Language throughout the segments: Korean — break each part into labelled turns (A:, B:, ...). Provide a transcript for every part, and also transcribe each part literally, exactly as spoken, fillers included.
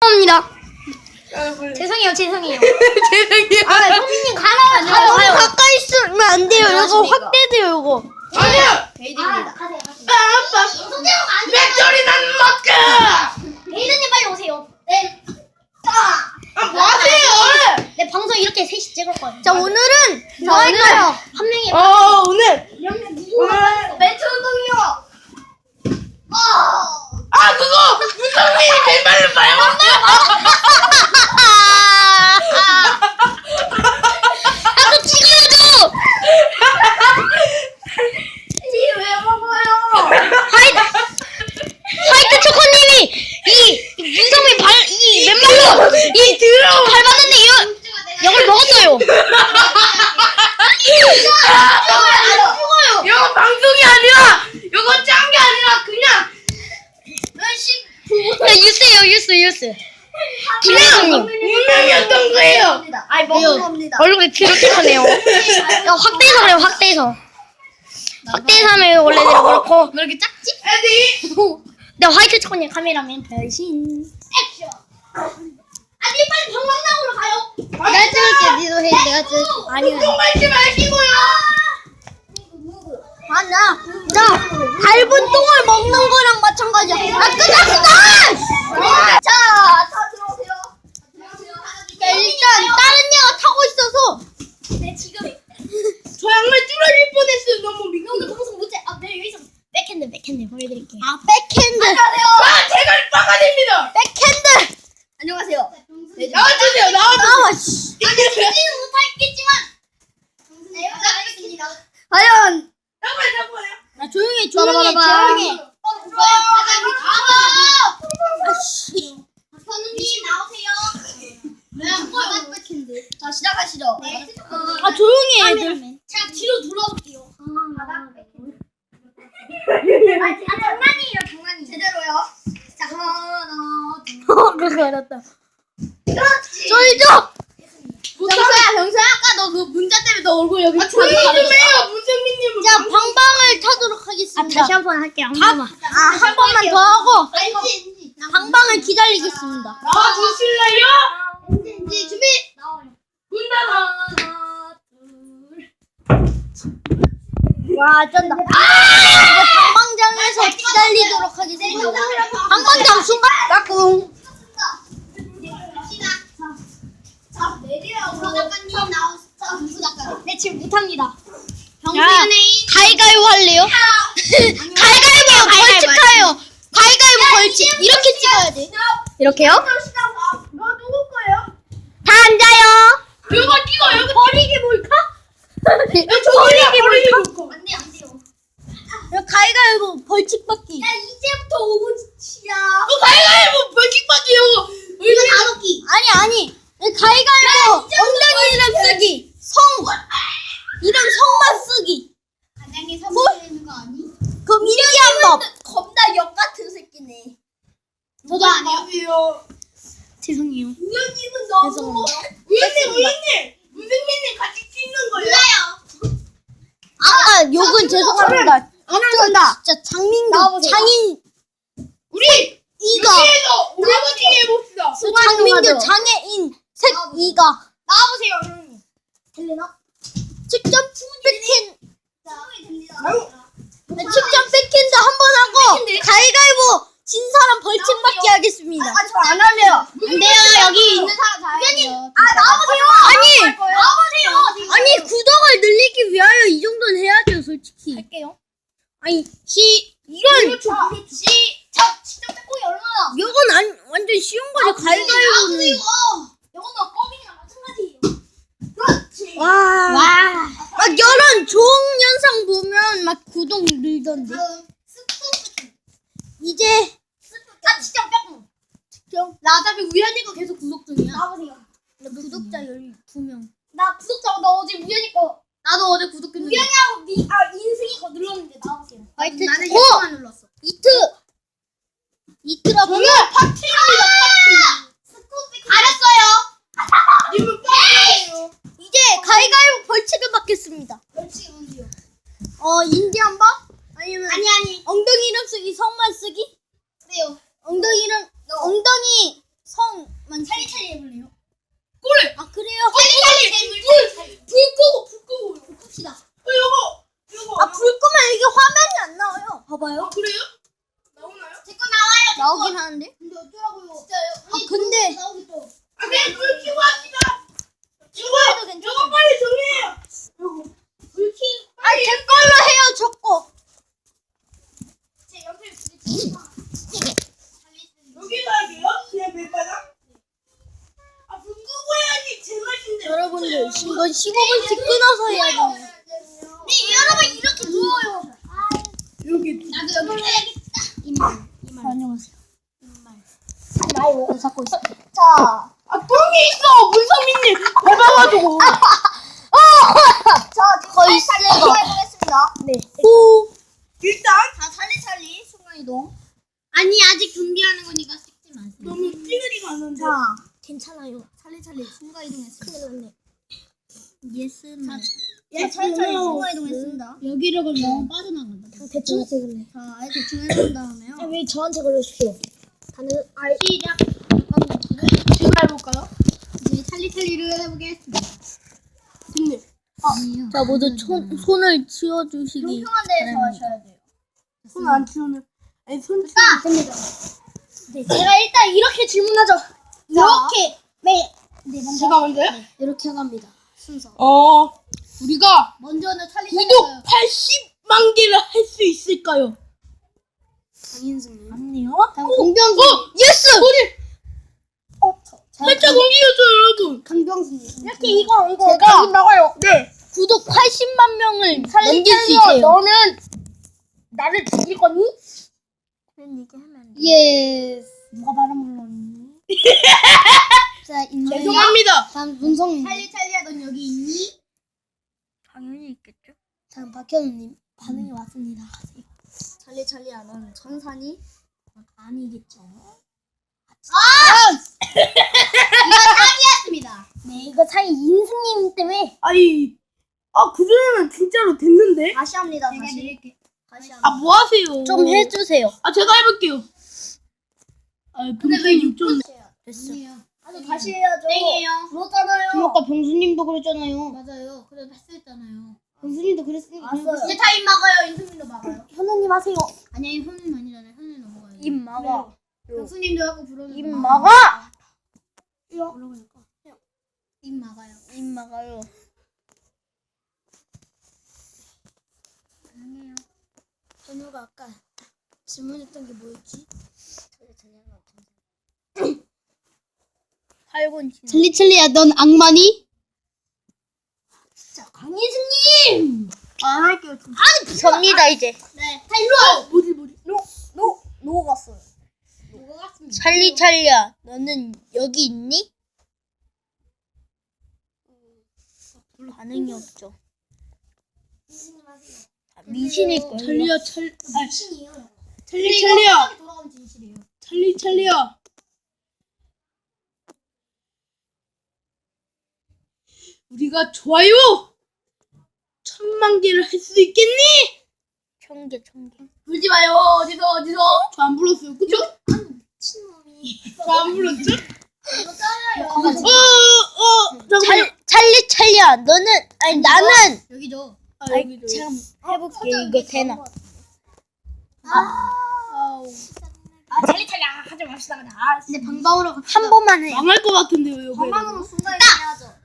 A: 겁니다.
B: 여러분.
A: 죄송해요, 죄송해요.
B: 죄송해요.
A: 아, 성민님 가나요? 가요,
C: 너무
A: 가요.
C: 가까이 있으면 안 돼요. 이거 확대돼요, 이거.
B: 아니야.
A: 베이드입니다. 가세요, 가세요.
B: 아빠.
A: 손대면 안 돼요.
B: 맥주리 난 먹자.
A: 베이드님 빨리 오세요. 네. 자,
B: 아, 뭐 하세요?
A: 네, 방송 이렇게 셋이 찍을 거예요.
C: 자, 오늘은
A: 자,
C: 뭐 할까요?
A: 한 명이
B: 어, 오늘.
A: 오늘 멘트 운동이요. 어.
B: 아, 그거 문성민이 맨발로 봐요.
C: 아, 또 찍어야죠.
A: 왜 먹어요?
C: 화이트 화이트 초코님이 이 문성민 발 이 맨발로 이
B: 더러워.
C: 밟았는데 이거 이걸 먹었어요.
B: 이거 방송이 아니라, 이거 짠 게 아니라 그냥
C: 네, 뉴스예요, 뉴스, 뉴스. 김혜성님
B: 운명이었던 거예요.
A: 아이 먹는 겁니다.
C: 얼굴이 기록하네요. 확대해서 그래요, 확대해서. 확대해서 하면 원래대로 그렇고.
A: 왜 이렇게 작지?
B: 에디.
C: 네, 화이트 초코님 카메라맨 변신.
A: 액션. 아니 빨리 방망나오러 가요.
C: 내가 찍을게, 니도 해, 내가 찍을게. 아니요.
B: 똥 밟지 마시고요.
C: 아, 나, 나, 밟은 똥을 먹는 거랑 마찬가지야. 아, 끝났어!
A: 자, 다 들어오세요. 들어오세요.
C: 자, 일단, 다른 애가 타고 있어서.
A: 네 지금
B: 저 양말 뚫어질 뻔했어요. 너무 미끄러.
A: 오늘 방송 못해. 아, 내가 여기서
C: 백핸드, 백핸드 보여드릴게요. 아, 백핸드.
A: 안녕하세요.
B: 아, 제가 빠가 됩니다.
C: 백핸드.
A: 안녕하세요. 네,
B: 나와주세요. 나와주세요.
C: 나와, 씨.
A: 아니 지지는 못하겠지만 네, 잘하겠습니다.
C: 과연.
B: 잠깐만, 잠깐만.
C: 나 조용히 해, 조용히 해,
A: 봐봐, 봐봐.
C: 조용히 해.
A: 어, 들어와요. 과장님 가봐.
C: 아씨.
A: 현우님 나오세요. 네, 바닥 백핸드. 자, 시작하시죠. 네.
C: 아, 조용히 해, 애들.
A: 자, 뒤로 돌아올게요. 바닥 백핸드. 아, 아, 장난이에요, 장난이. 제대로요. 자, 하나, 둘.
C: 어, 그거 알았다.
A: 그렇지.
C: 쫄죠?
A: 병서야, 병서야. 아까 너 그 문자 때문에 너 얼굴 여기
B: 아, 조용히 좀 해요. 문성민님은.
C: 자, 방방을 타도록 하겠습니다.
A: 한 번 할게요. 한
C: 번만. 아, 한 번만 더 하고
A: 알지, 엔지.
C: 방방을 기다리겠습니다.
B: 나와주실래요?
A: 엔지, 엔지 준비. 나와요.
B: 문 닫아.
A: 하나, 둘.
C: 와, 쩐다. 이제 방방장에서 기다리도록 하겠습니다. 방방장 순간 까꿍.
A: 자, 내리라고. 작가님 나오세요. 부 작가님.
C: 네, 지금 못합니다.
A: 병수연예인.
C: 가위가위보 할래요? 가위가위보 벌칙하요. 가위가위보 벌칙. 이렇게 찍어야 돼. 이렇게요?
A: 시간 봐. 너 누구 거예요?
C: 다 앉아요.
B: 이거 끼고 여기
C: 버리기 뭘까?
B: 버리기 버리기.
A: 안 돼요, 안 돼요.
C: 가위가위보 벌칙 받기.
A: 야, 이제부터 오 분치야.
B: 어, 가위가위보 벌칙 받기요.
A: 이거 다섯 기.
C: 아니 아니. 가위가위보 엉덩이 이름 쓰기. 성 이름 성만 쓰기.
A: 과장님 선물되는 거 아니?
C: 그럼 이렇게 한 법.
A: 겁나 역 같은 새끼네. 저도 아니에요.
C: 죄송해요.
A: 우연님은 너무
C: 죄송합니다.
B: 우연님 우연님. 문성민님 같이 찍는 거예요?
A: 몰라요.
C: 아까 욕은 죄송합니다.
A: 안 한다.
C: 진짜 장민규
A: 나와보세요.
C: 장인
B: 우리
C: 이가
B: 여기에서 오라버니 해봅시다.
C: 장민규 장애인 색 이가
A: 나와보세요, 형님. 들리나?
C: 직접 백핸
A: 충분히 들리나?
C: 직접 백핸드 한 번 하고 가위가위보 진 사람 벌칙 받기 하겠습니다.
A: 아, 저 안 할래요.
C: 안 돼요. 여기 있는
A: 사람 다 해요. 아, 나와보세요.
C: 아니
A: 나와보세요.
C: 아니 구독을 늘리기 위하여 이 정도는 해야죠, 솔직히.
A: 할게요.
C: 아니 시 이건
A: 자, 시, 자, 진짜 빼고이 얼마나?
C: 이건 안 완전 쉬운 거지. 가위가위보는.
A: 이거는 껌이랑 마찬가지예요. 그렇지.
C: 와. 와. 막 이런 좋은 영상 보면 막 구독 늘던데.
A: 다음 스프.
C: 이제
A: 아, 진짜 빼고. 나 어차피 우연히 거 계속 구독 중이야. 나와보세요.
C: 구독자 열두 명.
A: 나 구독자 나 어제 우연히 거. 나도 어제 구독했는데. 우연히하고 미, 아 인승이 거 눌렀는데 나와보세요.
C: 화이트
A: 나는
C: 초코.
A: 예쁘만 눌렀어.
C: 이트. 이트라 보면
B: 파티입니다. 파티.
A: 스쿠비 알았어요.
B: 님은 파티예요.
C: 이제 가위가위보 벌칙을 받겠습니다.
A: 벌칙이 뭔데요?
C: 어 인디 한 번? 아니면
A: 아니 아니.
C: 엉덩이 이름 쓰기 성만 쓰기?
A: 그래요.
C: 엉덩이 이름 엉덩이 성
A: 해볼래요?
B: 그래.
C: 아 그래요?
B: 빨리 빨리 불, 불 끄고 불 끄고.
A: 봅시다.
B: 어, 요거 요거.
C: 아 불 끄면 이게 화면이 안 나와요. 봐봐요.
B: 아 그래요? 나오나요?
A: 제 거 나와요.
C: 나오긴 하는데.
A: 근데 어쩌라고요? 진짜요?
C: 아 근데
A: 나오기 또.
B: 아 그냥 불 켜고 합시다.
C: 이거라도
B: 요거
C: 괜찮아.
B: 요거 빨리 정해요. 요거 불 켜.
C: 아 제 걸로 해요 저 거.
A: 제 옆에 부딪히지 마.
B: 여기서 하게요? 그냥 밀바닥? 아, 불 끄고 해야지 제맛인데.
C: 여러분들 이건 십오 분씩 끊어서 해야 돼요.
A: 네, 여러분 이렇게 누워요.
B: 여기.
A: 나도 여기 해야겠다.
C: 이말 이말 안녕하세요. 이말
A: 말
C: 을 잡고 있어.
A: 자,
B: 아, 똥이 있어! 문선민님! 밟아가지고.
A: 저
C: 거의
A: 살살
C: 새거.
A: 해보겠습니다.
C: 네.
B: 오! 일단,
A: 자, 찰리찰리 순간 이동.
C: 아니 아직 준비하는 거니까 찍지 마세요.
B: 너무 찌그리가 안 오는데.
A: 자,
C: 괜찮아요.
A: 찰리찰리 순간 이동했습니다.
C: 큰일 났네. 예스는
A: 예, 찰리찰리 순간 이동했습니다.
C: 여기로 걸면 빠져나간다. 대충 찍을래.
A: 자, 아예 대충 해본 다음에요.
C: 왜 저한테 걸려주세요? 다들 아 시작.
B: 지금 해볼까요?
A: 이제 찰리찰리를 해보겠습니다.
B: 됐네.
A: 아니요.
C: 자 모두 손 손을 치워주시기.
A: 평평한 데에서 하셔야 돼요.
B: 손 안 치우는. 아니, 손 치우는.
A: 자, 됩니다.
C: 네, 제가 일단 이렇게 질문하죠. 이렇게 네, 네 먼저
B: 제가 먼저요?
C: 이렇게 갑니다.
A: 순서.
B: 어, 우리가
A: 먼저는 찰리찰리.
B: 구독 팔십만 개를 할 수 있을까요?
A: 장인승님.
C: 아니요.
A: 강병수.
B: 어! 예스! 소리!
A: 어,
B: 살짝 옮기셨죠, 여러분?
A: 강병수님.
C: 이렇게 이거 이거
B: 제가-
C: 나가요.
B: 네.
C: 구독 팔십만 명을 넘길 수 있대요.
B: 너는 나를 죽일 거니?
C: 그런 얘기 하면 안 돼.
A: 예스.
C: 누가 발음을 넣니? 자, 인정.
B: 죄송합니다.
C: 다음 문성님.
A: 찰리찰리 하던 여기 있니?
C: 당연히 있겠죠. 다음 박현우님 반응이 왔습니다.
A: 찰리찰리 하던 천산이?
C: 아니겠죠.
A: 짱이었습니다.
C: 네, 이거 사이 인승님 때문에
B: 아이, 아, 그전에는 진짜로 됐는데?
A: 다시 합니다.
C: 제가
A: 다시.
C: 드릴게요.
A: 다시
B: 아,
A: 합니다.
B: 뭐 하세요?
C: 좀 해주세요.
B: 아, 제가 해볼게요. 아,
A: 근데 왜
B: 분명히
A: 육
B: 좀.
C: 됐어.
A: 아니 다시 해야죠.
C: 땡이에요.
A: 그렇잖아요.
C: 아까 병수님도 그랬잖아요.
A: 맞아요. 그래도 했었잖아요.
C: 병수님도 그랬으니까.
A: 이제 다 입 막아요. 인수님도 막아요.
C: 현우님 하세요.
A: 아니 현우님 아니잖아요. 현우님 넘어가요.
C: 입 막아.
A: 병수님도 하고 부르는.
C: 입 막아.
A: 올라가니까. 입 막아요.
C: 입 막아요.
A: 아니에요.
C: 현우가 아까 질문했던 게 뭐였지? 팔군
A: 찰리찰리야, 넌 악마니?
C: 자, 강희수님.
B: 안 할게요.
C: 접니다 이제.
A: 네. 다 일로 와.
B: 뭐지, 뭐지?
C: 노, 노, 노 갔어요.
A: 뭐가 같습니다.
C: 찰리 찰리야, 너는 여기 있니? 반응이 없죠. 아, 미신일 거예요.
B: 찰리야, 찰, 아,
A: 신이에요.
B: 찰리, 찰리야.
A: 돌아가면 진실이에요.
B: 찰리, 찰리야. 우리가 좋아요 천만 개를 할 수 있겠니?
C: 천 개, 천 개.
A: 울지 마요. 어디서 어디서?
B: 저 안 불렀어요. 그쵸?
A: 친놈이.
B: 저 안 불렀죠?
A: 이거 짜요.
B: 어, 어, 잠깐만요.
C: 찰, 찰리 찰리야, 너는 아니 나는.
A: 여기죠.
B: 아,
C: 아이
B: 여기도.
C: 참 해볼게. 이거 되나?
A: 아우. 아 찰리찰리 하지 맙시다. 아,
C: 근데 방방으로 한 번만 해.
B: 망할 것 같은데요, 여기.
A: 방방으로 순간이동 해야죠.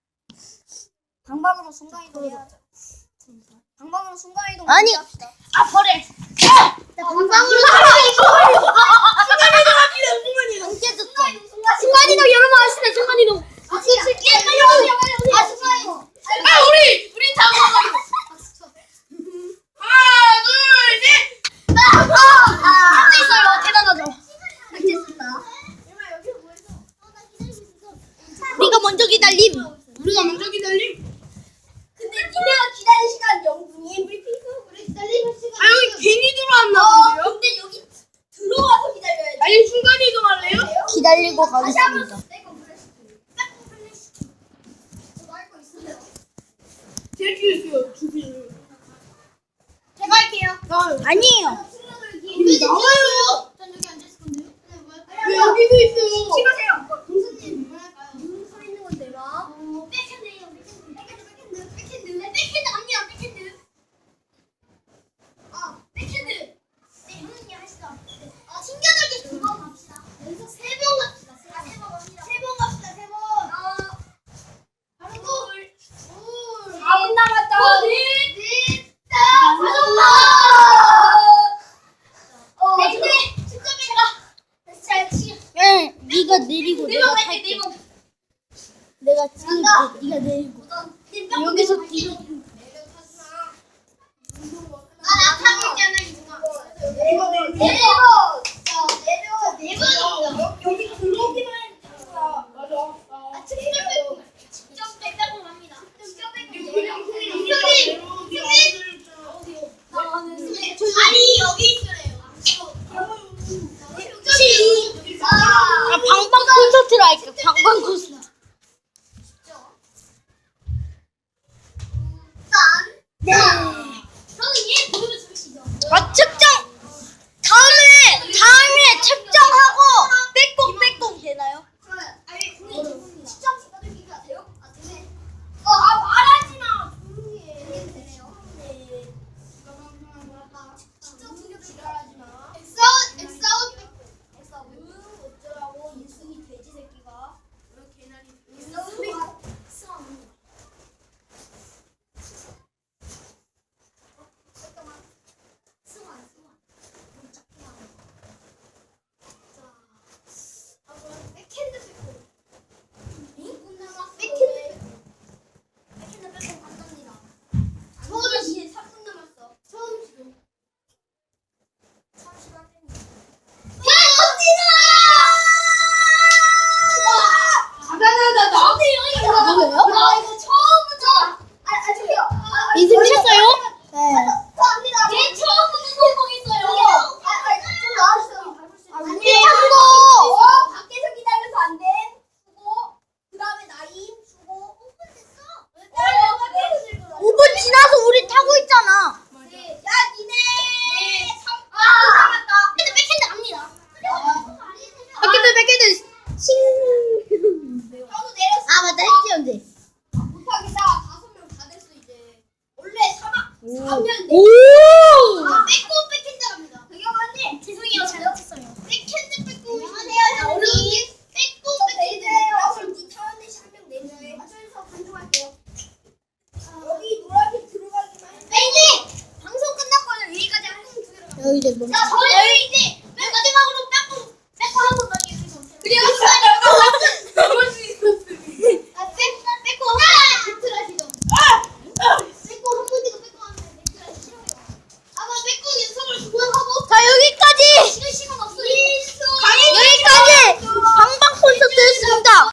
A: 방방으로 순간이동 해야죠. 방방으로 순간이동
C: 아니.
A: 합시다.
B: 아, 버려.
A: 방방으로
B: 순간이동 합시다, 순간이동.
A: 순간이동 순간
C: 순간이동 여러분 아시네 순간이동.
A: 아 진짜 빨리 오세요 빨리 오세요. 아 순간이동.
B: 아, 우리, 우리 다 먹어. 하나, 둘, 셋.
A: 아 있어요. 대단하죠. 됐습니다.
C: 우리가 먼저 기다림.
B: 우리가 먼저 기다림.
A: 근데 니네가 기다린 시간 영 분이에요. 우리 피부 우리 기다리는 시간.
B: 아, 여기 괜히 들어왔나
A: 어,
B: 본데요?
A: 근데 여기 들어와서 기다려야지.
B: 아니, 순간이동 할래요?
C: 기다리고
A: 다시 한번
C: 가겠습니다.
A: 내거 플래시키. 딱 플래시키. 저도 할 거 있어요.
B: 제가 키우세요, 주세요.
A: 제가 할게요.
C: 아니에요.
B: 우리 나와요.
A: 전 여기 앉아 있을 건데요. 네, 뭐 할까요?
B: 왜 여기도 있어요?
A: 찍으세요. 동수님 뭐
C: 내리고
B: 네번
C: 내가
B: 할게,
C: 탈게.
B: 네 번.
C: 내가 찍을게. 네가 내리고. 여기서 뛰어.
B: 아나 타고 있잖아 이승아.
A: 내려 내려 자 내려 내려
B: 여기 들어오기만 해. 맞아.
A: 아 직접 뺏고 직접 뺏고 갑니다 직접 뺏고
B: 아니 여기 있으래요.
C: 아 방방 콘서트로 할까? 방방 콘서트.
A: 네. 저는 얘 보면 재밌어.
C: 아 측정. 다음에 다음에 측정하고 빼꼼 빼꼼